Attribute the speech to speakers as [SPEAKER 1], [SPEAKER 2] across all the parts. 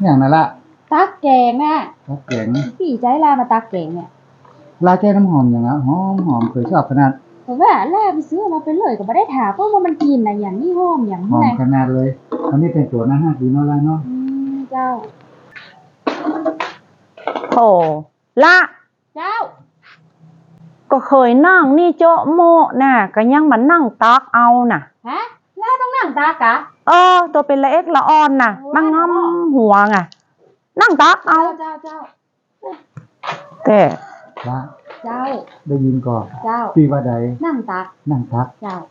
[SPEAKER 1] อย่างนั้นละ
[SPEAKER 2] ตักแกงน่ะ
[SPEAKER 1] ตักแกง
[SPEAKER 2] พี่ใจลามาตักแกงเนี่ย
[SPEAKER 1] ลาแก้น้ำหอมอย่างนั้นหอมเคยชอบขนาด
[SPEAKER 2] แต่ว่าแล่ไปซื้อมาเป็นเลยก็ไม่ได้ถามเพราะว่ามันกินนะอย่างนี้หอมอย่าง
[SPEAKER 1] หอม
[SPEAKER 2] ไร
[SPEAKER 1] ขนาดเลยอันนี้เป็นตัวหน้าห้าดีเนาะละเนาะ
[SPEAKER 2] เจ้า
[SPEAKER 3] โถละ
[SPEAKER 2] เจ้า
[SPEAKER 3] ก็เคยนั่งนี่โจ๊ะโมน่ะก็ยังมานั่งตักเอาน่ะ
[SPEAKER 2] ฮะล่าต้องนั่งตากะ
[SPEAKER 3] ตัวเป็นละเอ็กละอ่อนน่ะมางอมหัวไงนั่งตักเอา
[SPEAKER 2] เจ้า
[SPEAKER 3] แต่
[SPEAKER 1] ละ
[SPEAKER 2] เจ้า
[SPEAKER 1] ได้ยินก่อน
[SPEAKER 2] เจ้า
[SPEAKER 1] พี่ว่าใด
[SPEAKER 2] นั่งตักเจ้า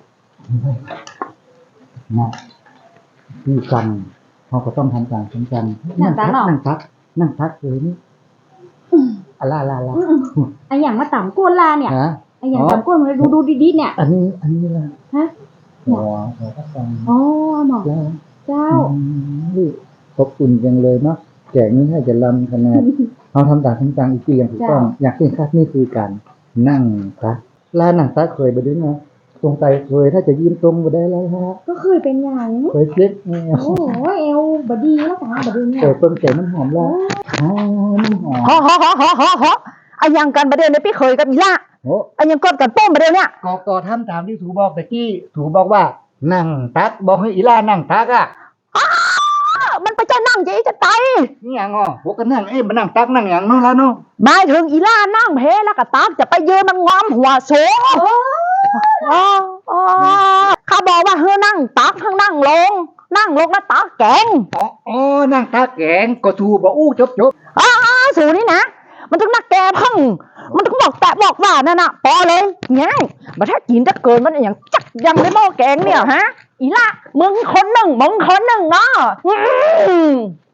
[SPEAKER 1] นะพี่กันเขาก็ต้องทำการทำกันนั่งทักเลยนี่ลา
[SPEAKER 2] ไออย่างมาต่ำก้นลาเนี่ยไออย่างต่ำก้นมาดูดีๆเนี่ย
[SPEAKER 1] อันนี้ละ
[SPEAKER 2] ฮะ
[SPEAKER 1] หัวก็ฟัง
[SPEAKER 2] หมอเจ้า
[SPEAKER 1] ขอบคุณจังเลยเนาะแกงนี้ให้จะลำขนาดเราทำการอีกทีอย่างถูกต้องอยากเห็นคัดนี่คือการนั่งครับลานั่งทักเคยไปด้วยนะตรงไตเคยถ้าจะยืนตรงไปได้แล้วฮะ
[SPEAKER 2] ก็เคยเป็นอย่าง
[SPEAKER 1] เคยเช็ค
[SPEAKER 2] โอ้เอวบดีแล้วค่ะบดีเนี่ย
[SPEAKER 1] ต้นแก่น้ำหอมแล้วน้ำหอม
[SPEAKER 3] ไอ้ยังกันประเดี๋ยวเนี่ยพี่เคยกับอีล่าไอ้ยังกดกันป้มประเดี๋ยวเนี่ย
[SPEAKER 1] ก็ทำตามที่ถูบอกตะกี้ถูบอกว่านั่งตักบอกให้อีล่านั่งตักอ่ะ
[SPEAKER 3] มันไปจะนั่งจะตาย
[SPEAKER 1] นี่อย่างพวกกันนั่งมันนั่งตักนั่งอย่างนู้นแล้วนู้น
[SPEAKER 3] หมายถึงอีล่านั่งเพแล้วก็ตักจะไปยืนมันงอมหัวโซ่ข้าบอกว่าเฮ้นั่งตักข้างนั่งลงแล้วตักแกง
[SPEAKER 1] นั่งตักแกงก็ถูบอกจบ
[SPEAKER 3] สูนี่นะมันต้องนักแกพังมันต้องบอกว่านั่นน่ะพอเลยง่ายมาถ้ากินจะเกินมันอย่างจักยังในหม้อแกงเนี่ยฮะอีล่ะมึงคนหนึ่งเนาะ